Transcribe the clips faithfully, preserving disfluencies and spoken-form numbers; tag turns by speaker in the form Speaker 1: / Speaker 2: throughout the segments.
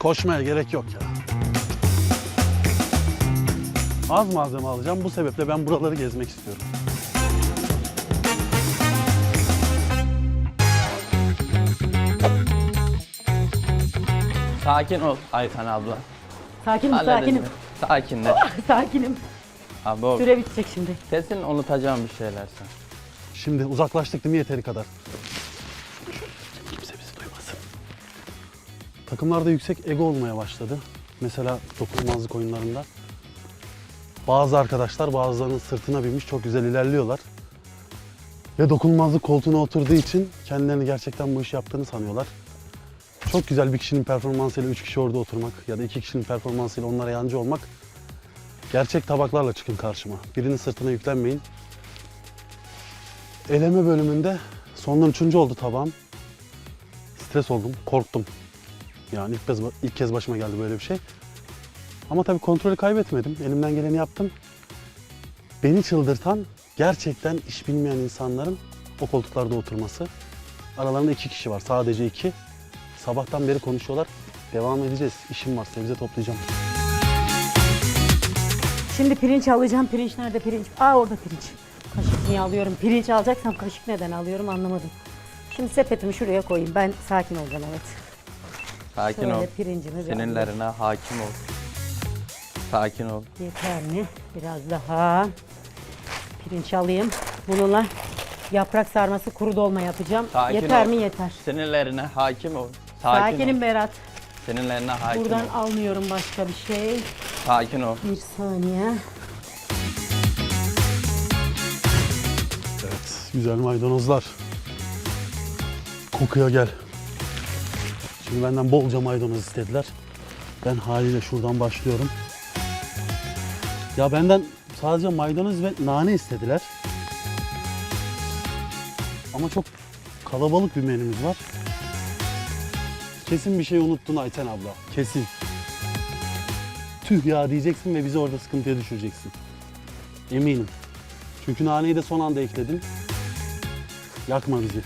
Speaker 1: Koşmaya gerek yok ya. Az malzeme alacağım. Bu sebeple ben buraları gezmek istiyorum.
Speaker 2: Sakin ol Ayten abla.
Speaker 3: Sakinim,
Speaker 2: Hallederiz
Speaker 3: sakinim.
Speaker 2: mi? Sakin de.
Speaker 3: Sakinim.
Speaker 2: Abi o
Speaker 3: Süre bitecek şimdi.
Speaker 2: kesin unutacağım bir şeyler sen.
Speaker 1: Şimdi uzaklaştık değil mi yeteri kadar? Kimse bizi duymasın. Takımlarda yüksek ego olmaya başladı. Mesela dokunulmazlık oyunlarında. Bazı arkadaşlar bazılarının sırtına binmiş çok güzel ilerliyorlar. Ve dokunulmazlık koltuğuna oturduğu için kendilerini gerçekten bu işi yaptığını sanıyorlar. Çok güzel bir kişinin performansıyla üç kişi orada oturmak ya da iki kişinin performansıyla onlara yancı olmak. Gerçek tabaklarla çıkın karşıma. Birinin sırtına yüklenmeyin. Eleme bölümünde sondan üçüncü oldu tabağım. Stres oldum, korktum. Yani ilk kez, ilk kez başıma geldi böyle bir şey. Ama tabii kontrolü kaybetmedim. Elimden geleni yaptım. Beni çıldırtan gerçekten iş bilmeyen insanların o koltuklarda oturması. Aralarında iki kişi var, sadece iki. Sabahtan beri konuşuyorlar. Devam edeceğiz. İşim var, sebze toplayacağım.
Speaker 3: Şimdi pirinç alacağım. Pirinç nerede pirinç? Aa orada pirinç. Kaşık niye alıyorum? Pirinç alacaksam kaşık neden alıyorum anlamadım. Şimdi sepetimi şuraya koyayım. Ben sakin olacağım, evet.
Speaker 2: Sakin
Speaker 3: Şöyle
Speaker 2: ol.
Speaker 3: pirincimi bir
Speaker 2: Sinirlerine hakim ol. Sakin ol.
Speaker 3: Yeter mi? Biraz daha pirinç alayım. Bununla yaprak sarması, kuru dolma yapacağım.
Speaker 2: Sakin
Speaker 3: Yeter
Speaker 2: ol.
Speaker 3: mi? Yeter.
Speaker 2: Sinirlerine hakim ol. Sakin
Speaker 3: Sakinim
Speaker 2: ol.
Speaker 3: Berat.
Speaker 2: Sinirlerine hakim
Speaker 3: Buradan
Speaker 2: ol.
Speaker 3: almıyorum başka bir şey.
Speaker 2: Sakin ol.
Speaker 3: Bir saniye.
Speaker 1: Evet, güzel maydanozlar. Kokuya gel. Şimdi benden bolca maydanoz istediler. Ben haliyle şuradan başlıyorum. Ya benden sadece maydanoz ve nane istediler. Ama çok kalabalık bir menümüz var. Kesin bir şey unuttun Ayten abla. Kesin. Tüh ya diyeceksin ve bizi orada sıkıntıya düşüreceksin. Eminim. Çünkü naneyi de son anda ekledin. Yakma bizi.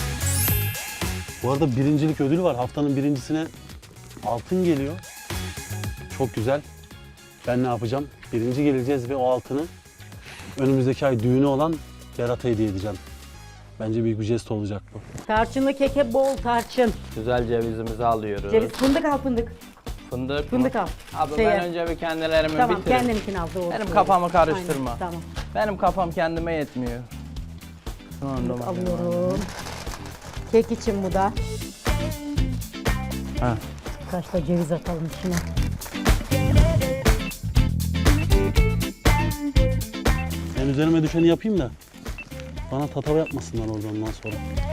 Speaker 1: Bu arada birincilik ödülü var. Haftanın birincisine altın geliyor. Çok güzel. Ben ne yapacağım? Birinci geleceğiz ve o altını önümüzdeki ay düğünü olan Berat'a hediye edeceğim. Bence büyük bir jest olacak bu.
Speaker 3: Tarçınlı keke bol tarçın.
Speaker 2: Güzel cevizimizi alıyoruz.
Speaker 3: Ceviz, fındık al fındık.
Speaker 2: Fındık
Speaker 3: Fındık
Speaker 2: mı?
Speaker 3: al.
Speaker 2: Abi
Speaker 3: Şeye-
Speaker 2: ben önce bir kendilerimi
Speaker 3: Tamam,
Speaker 2: bitireyim.
Speaker 3: kendininkini al doğru.
Speaker 2: Benim
Speaker 3: söyle.
Speaker 2: kafamı karıştırma.
Speaker 3: Aynen, tamam.
Speaker 2: Benim kafam kendime yetmiyor. Şu anda
Speaker 3: Fındık
Speaker 2: bakıyorum.
Speaker 3: alıyorum. Kek için bu da.
Speaker 2: Heh.
Speaker 3: Kaç da ceviz atalım içine.
Speaker 1: Ben üzerime düşeni yapayım da bana tatava yapmasınlar orada ondan sonra.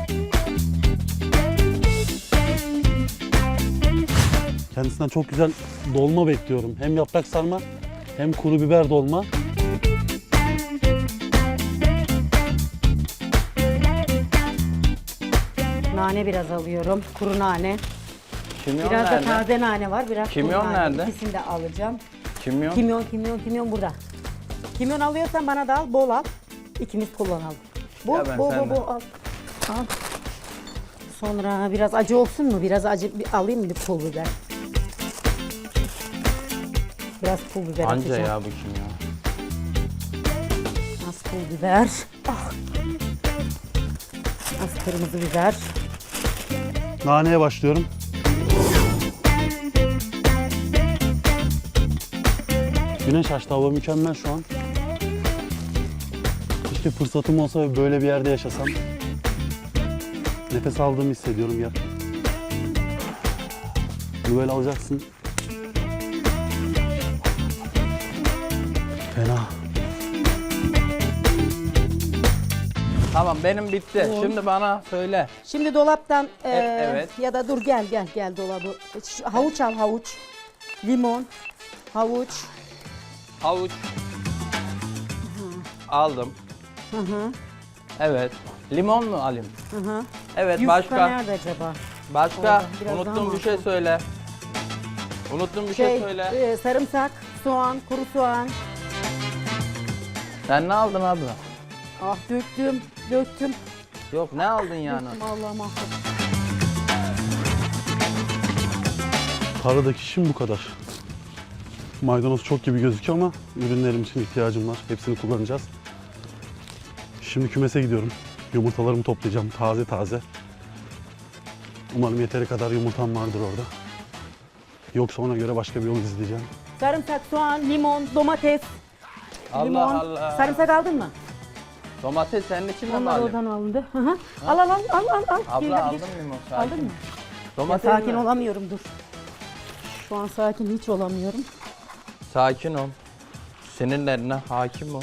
Speaker 1: Kendisinden çok güzel dolma bekliyorum. Hem yaprak sarma hem kuru biber dolma.
Speaker 3: Nane biraz alıyorum. Kuru nane.
Speaker 2: Kimyon
Speaker 3: Biraz
Speaker 2: nerede?
Speaker 3: da taze nane var. Biraz
Speaker 2: Kimyon
Speaker 3: kuru nane.
Speaker 2: nerede?
Speaker 3: İkisini de alacağım.
Speaker 2: Kimyon?
Speaker 3: Kimyon, kimyon, kimyon burada. Kimyon alıyorsan bana da al, bol al. İkimiz kullanalım. Bol,
Speaker 2: Ya ben
Speaker 3: bol, bol,
Speaker 2: senden.
Speaker 3: bol al. Al. Sonra biraz acı olsun mu? Biraz acı bir alayım mı pul biber? Biraz pul biber
Speaker 2: Anca
Speaker 3: atacağım.
Speaker 2: ya bu kimyon.
Speaker 3: Az pul biber. Ah. Az kırmızı biber.
Speaker 1: Naneye başlıyorum. Güneş açtı, hava mükemmel şu an. Keşke fırsatım olsa ve böyle bir yerde yaşasam. Nefes aldığımı hissediyorum ya. Bunu böyle alacaksın. Fena.
Speaker 2: Tamam benim bitti.
Speaker 3: Un.
Speaker 2: Şimdi bana söyle.
Speaker 3: Şimdi dolaptan e,
Speaker 2: evet.
Speaker 3: ya da dur gel gel gel dolabı. Şu havuç al havuç. Limon, havuç.
Speaker 2: Havuç. Aldım.
Speaker 3: Hı hı.
Speaker 2: Evet. Limon mu alayım?
Speaker 3: Hı hı.
Speaker 2: Evet
Speaker 3: Yufka
Speaker 2: başka.
Speaker 3: nerede acaba?
Speaker 2: Başka.
Speaker 3: Orada, biraz daha
Speaker 2: Unuttuğum bir şey
Speaker 3: masum.
Speaker 2: söyle. Unuttuğum bir şey,
Speaker 3: Şey,
Speaker 2: söyle.
Speaker 3: e, sarımsak, soğan, kuru soğan.
Speaker 2: Sen ne aldın abla?
Speaker 3: Ah döktüm, döktüm.
Speaker 2: Yok ne aldın yani?
Speaker 3: Döktüm Allah'ım affet.
Speaker 1: Tarladaki işim bu kadar. Maydanoz çok gibi gözüküyor ama ürünlerim için ihtiyacım var. Hepsini kullanacağız. Şimdi kümese gidiyorum. Yumurtalarımı toplayacağım taze taze. Umarım yeteri kadar yumurtam vardır orada. Yoksa ona göre başka bir yol izleyeceğim.
Speaker 3: Sarımsak, soğan, limon, domates.
Speaker 2: Allah
Speaker 3: limon.
Speaker 2: Allah.
Speaker 3: Sarımsak aldın mı?
Speaker 2: Domates senin için mi
Speaker 3: Onlar
Speaker 2: alayım?
Speaker 3: oradan alındı. Hı hı. Al al al al al. al.
Speaker 2: Abla
Speaker 3: Gel, gel,
Speaker 2: aldın
Speaker 3: gel.
Speaker 2: mı limon? Sakin.
Speaker 3: Aldın mı? Ya,
Speaker 2: Domates
Speaker 3: sakin
Speaker 2: mi?
Speaker 3: olamıyorum dur. Şu an sakin hiç olamıyorum.
Speaker 2: Sakin ol. Sinirlerine hakim ol.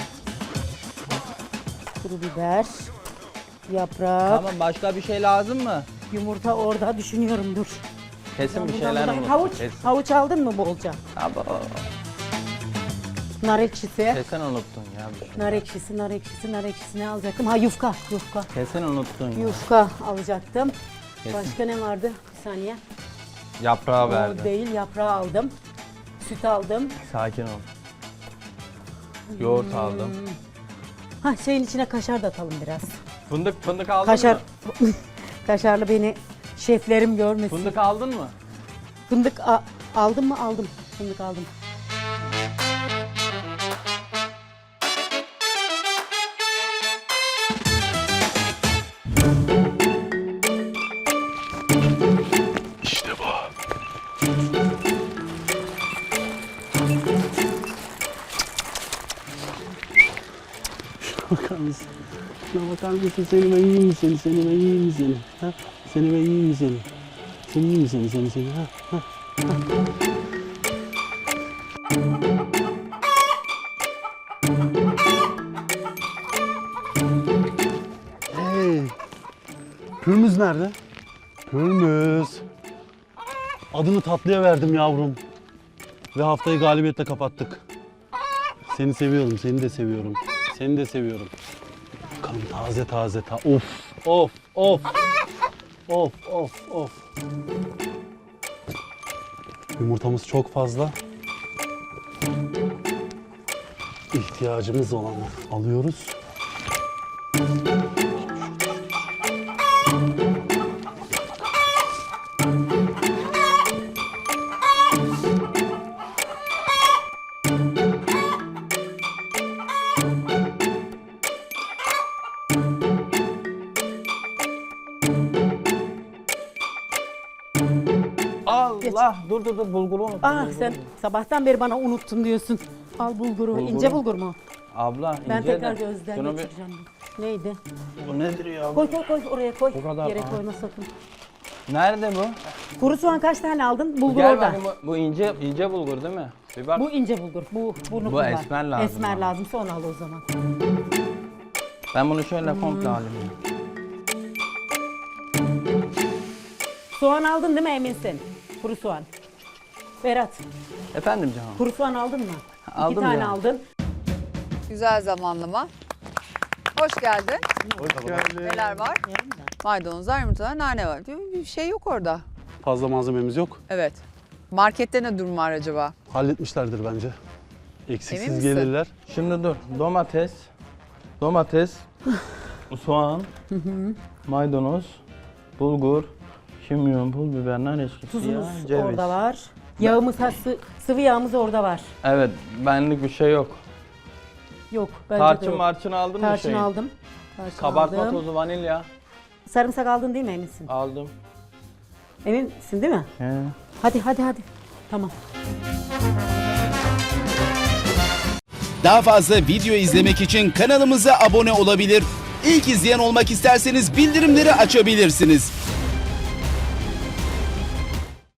Speaker 3: Kuru biber, yaprak,
Speaker 2: Tamam, başka bir şey lazım mı?
Speaker 3: yumurta orada düşünüyorum dur.
Speaker 2: Kesin bir
Speaker 3: Buradan
Speaker 2: şeyler
Speaker 3: buradan-
Speaker 2: unuttum.
Speaker 3: Havuç,
Speaker 2: Kesin.
Speaker 3: havuç aldın mı bolca?
Speaker 2: Abo.
Speaker 3: Nar ekşisi,
Speaker 2: Kesin unuttun ya bir şey.
Speaker 3: nar ekşisi, nar ekşisi, nar ekşisi ne alacaktım? Ha yufka, yufka.
Speaker 2: Kesin unuttun ya.
Speaker 3: Yufka alacaktım.
Speaker 2: Kesin.
Speaker 3: Başka ne vardı? Bir saniye.
Speaker 2: Yaprağı
Speaker 3: O
Speaker 2: verdi.
Speaker 3: değil, yaprağı aldım. Süt aldım.
Speaker 2: Sakin ol. Yoğurt aldım.
Speaker 3: Ha şeyin içine kaşar da atalım biraz.
Speaker 2: Fındık fındık aldın
Speaker 3: Kaşar,
Speaker 2: mı?
Speaker 3: kaşarlı beni şeflerim görmesin.
Speaker 2: Fındık aldın mı?
Speaker 3: Fındık a- aldım mı? Aldım. Fındık aldım.
Speaker 1: İşte bu. Şuna bakar mısın? Şuna bakar mısın? Seni ben yiyeyim mi seni? Seni ben yiyeyim mi seni? Ha? Seni ben yiyeyim mi seni? Seni yiyeyim mi seni? Seni seni? Ha? Ha? Hey! Pürmüz nerede? Pürmüz. Adını tatlıya verdim yavrum. Ve haftayı galibiyetle kapattık. Seni seviyorum, seni de seviyorum. Seni de seviyorum. Bakalım taze taze ta. Of, of, of. Of, of, of. Yumurtamız çok fazla. İhtiyacımız olanı alıyoruz.
Speaker 2: Allah, dur dur dur, bulguru unuttum.
Speaker 3: Ah
Speaker 2: bulguru.
Speaker 3: sen sabahtan beri bana unuttun diyorsun. Al bulguru.
Speaker 2: Bulguru.
Speaker 3: İnce bulgur mu?
Speaker 2: Abla
Speaker 3: Ben
Speaker 2: ince
Speaker 3: tekrar
Speaker 2: de.
Speaker 3: gözden
Speaker 2: Şunu bir-
Speaker 3: geçireceğim. Neydi?
Speaker 1: Bu nedir ya?
Speaker 3: Koy koy koy oraya koy.
Speaker 2: Bu kadar
Speaker 3: Yere
Speaker 2: ağır.
Speaker 3: koyma sakın.
Speaker 2: Nerede bu?
Speaker 3: Kuru soğan kaç tane aldın? Bulgur
Speaker 2: Gel
Speaker 3: orada.
Speaker 2: bakayım, bu, bu ince ince bulgur değil mi? Bir bak.
Speaker 3: Bu ince bulgur. Bu bunu
Speaker 2: Bu
Speaker 3: kullan.
Speaker 2: esmer lazım
Speaker 3: Esmer
Speaker 2: bana.
Speaker 3: lazımsa onu al o zaman.
Speaker 2: Ben bunu şöyle
Speaker 3: Hmm.
Speaker 2: komple alayım. ya.
Speaker 3: Soğan aldın değil mi eminsin? Kuru soğan. Berat,
Speaker 2: Efendim canım.
Speaker 3: kuru soğan aldın mı?
Speaker 2: Aldım
Speaker 3: İki tane
Speaker 2: canım.
Speaker 3: aldın.
Speaker 4: Güzel zamanlama. Hoş geldin. Neler var? Maydanozlar, yumurtalar, nane var. Bir şey yok orada.
Speaker 1: Fazla malzememiz yok.
Speaker 4: Evet. Markette ne durum var acaba?
Speaker 1: Halletmişlerdir bence.
Speaker 4: Emin
Speaker 1: Eksiksiz
Speaker 4: misin?
Speaker 1: gelirler.
Speaker 2: Şimdi dur. Domates, domates, soğan, maydanoz, bulgur, kimyon, pul biber, nar eşkisi,
Speaker 3: Tuzumuz
Speaker 2: yağ, ceviz.
Speaker 3: orada var. Yağımız, ha, sı- sıvı yağımız orada var.
Speaker 2: Evet, benlik bir şey yok.
Speaker 3: Yok, bence de
Speaker 2: Tarçın
Speaker 3: yok.
Speaker 2: marçın aldın mı
Speaker 3: Tarçın
Speaker 2: şeyi?
Speaker 3: aldım. Tarçın
Speaker 2: Kabartma
Speaker 3: aldım.
Speaker 2: tozu, vanilya
Speaker 3: Sarımsak aldın değil mi eminsin?
Speaker 2: aldım.
Speaker 3: Eminsin değil mi?
Speaker 2: He.
Speaker 3: Hadi hadi hadi. Tamam.
Speaker 5: Daha fazla video izlemek için kanalımıza abone olabilir. İlk izleyen olmak isterseniz bildirimleri açabilirsiniz.